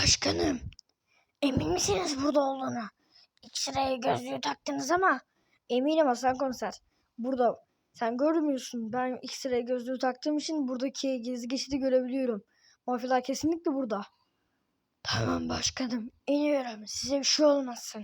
Başkanım, emin misiniz burada olduğunu? X-ray gözlüğü taktınız ama. Eminim Hasan komiser. Burada. Sen görmüyorsun. Ben X-ray gözlüğü taktığım için buradaki gizli geçidi görebiliyorum. Mafyalar kesinlikle burada. Tamam başkanım, iniyorum. Size bir şey olmasın.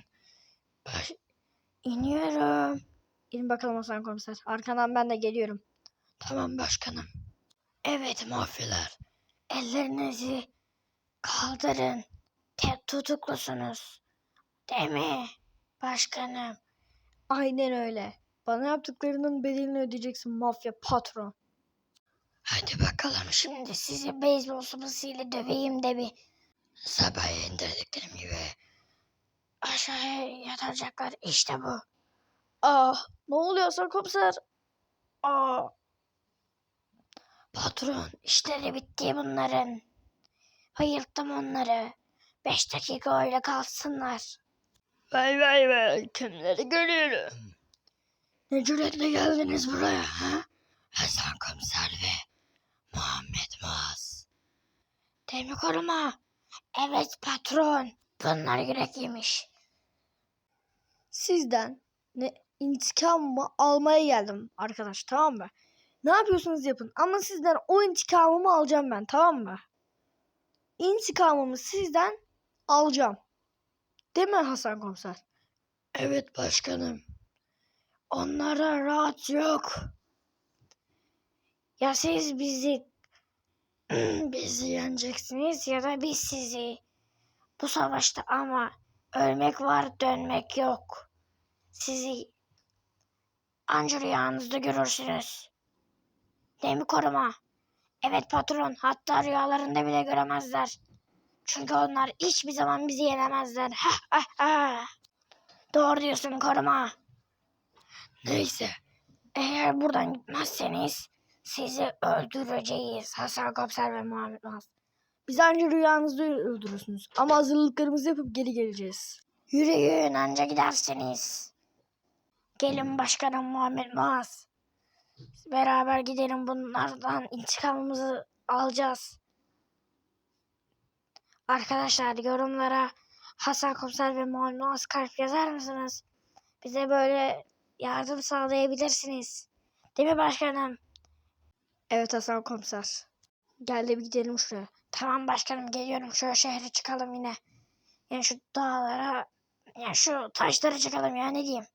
İniyorum. İn bakalım Hasan komiser. Arkandan ben de geliyorum. Tamam başkanım. Evet mafyalar. Ellerinizi kaldırın. Tutuklusunuz. Değil mi başkanım? Aynen öyle. Bana yaptıklarının bedelini ödeyeceksin mafya patron. Hadi bakalım şimdi sizi beyzbol sopasıyla döveyim de bir sabah indirdiklerim gibi aşağıya yatacaklar. İşte bu. Ne oluyor Hasan komiser? Patron işleri bitti bunların. Bayılttım onları. 5 dakika öyle kalsınlar. Vay kimleri görüyorum. Ne cüretle geldiniz buraya ha? Hasan komiser ve Muhammed Muaz. Değil mi koruma? Evet patron. Bunlar yürek yemiş. Sizden intikamımı almaya geldim arkadaş, tamam mı? Ne yapıyorsunuz yapın ama sizden o intikamımı alacağım ben, tamam mı? İntikamımı sizden alacağım. Değil mi Hasan komiser? Evet başkanım. Onlara rahat yok. Ya siz bizi yeneceksiniz ya da biz sizi. Bu savaşta ama ölmek var, dönmek yok. Sizi anca rüyanızda görürsünüz. Değil mi koruma? Evet patron, hatta rüyalarında bile göremezler. Çünkü onlar hiçbir zaman bizi yenemezler. Doğru diyorsun koruma. Neyse, eğer buradan gitmezseniz sizi öldüreceğiz Hasan Komiser ve Muhammed Muaz. Biz anca rüyanızda öldürürsünüz ama hazırlıklarımızı yapıp geri geleceğiz. Yürüyün anca gidersiniz. Gelin başkanım Muhammed Muaz. Beraber gidelim, bunlardan intikamımızı alacağız. Arkadaşlar yorumlara Hasan Komiser ve Muhammed Muaz kalp yazar mısınız? Bize böyle yardım sağlayabilirsiniz. Değil mi başkanım? Evet Hasan komiser. Gel de bir gidelim şuraya. Tamam başkanım, geliyorum. Şöyle şehre çıkalım yine. Yani şu dağlara, yani şu taşlara çıkalım ya, ne diyeyim.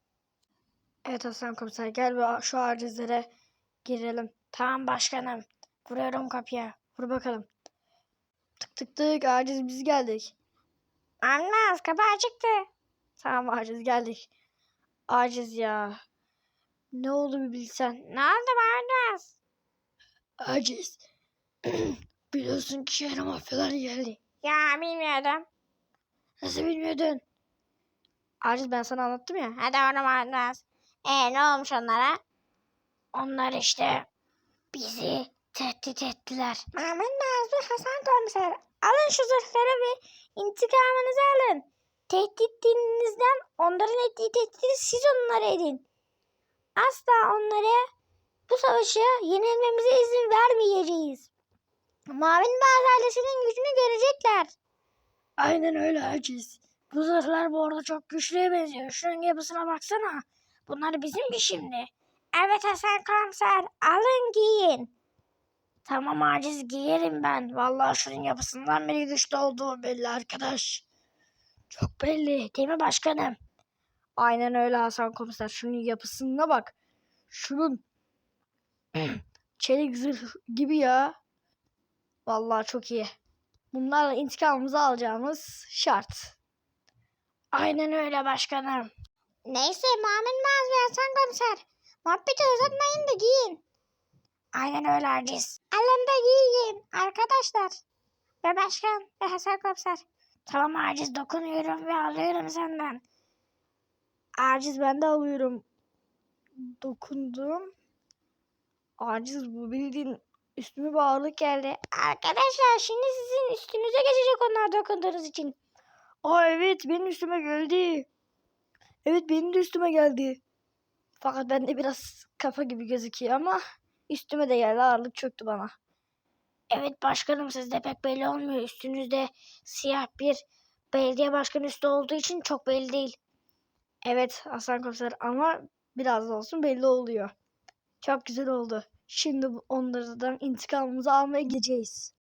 Evet Hasan komiser, gel şu acizlere girelim. Tamam başkanım. Vuruyorum kapıya. Vur bakalım. Tık tık tık, aciz biz geldik. Anmaz, kapı açıktı. Tamam aciz geldik. Aciz ya. Ne oldu bir bilsen. Ne oldu Anmaz? Aciz. Biliyorsun ki şehre mafyalar geldi. Ya bilmiyordum. Nasıl bilmiyordun? Aciz ben sana anlattım ya. Hadi oğlum Anmaz. Ne olmuş onlara? Onlar işte bizi tehdit ettiler. Muhammed Nazlı Hasan Komiser, alın şu zırhları ve intikamınızı alın. Tehditinizden onların ettiği tehdidi siz onlara edin. Asla onlara bu savaşı yenilmemize izin vermeyeceğiz. Mavi Bazı ailesinin gücünü görecekler. Aynen öyle aciz. Bu zırhlar bu arada çok güçlüye benziyor. Şunun yapısına baksana. Bunlar bizim mi şimdi? Evet Hasan Komiser, alın giyin. Tamam aciz, giyerim ben. Vallahi şunun yapısından beri güçlü olduğu belli arkadaş. Çok belli değil mi başkanım? Aynen öyle Hasan komiser. Şunun yapısına bak. Şunun çelik zırh gibi ya. Vallahi çok iyi. Bunlarla intikamımızı alacağımız şart. Aynen öyle başkanım. Neyse Muhammed Maz ve Hasan Komiser, muhabbeti uzatmayın da giyin. Aynen öyle aciz. Alın da giyin arkadaşlar. Ve başkan ve Hasan Komiser. Tamam aciz, dokunuyorum ve alıyorum senden. Aciz ben de alıyorum. Dokundum. Aciz bu bildiğin üstüme bir ağırlık geldi. Arkadaşlar şimdi sizin üstünüze geçecek onlar dokunduğunuz için. Evet benim üstüme geldi. Evet benim de üstüme geldi. Fakat bende biraz kafa gibi gözüküyor ama üstüme de geldi, ağırlık çöktü bana. Evet başkanım, sizde pek belli olmuyor. Üstünüzde siyah bir belediye başkanı üstü olduğu için çok belli değil. Evet Hasan Komiser ama biraz da olsun belli oluyor. Çok güzel oldu. Şimdi onlardan intikamımızı almaya gideceğiz.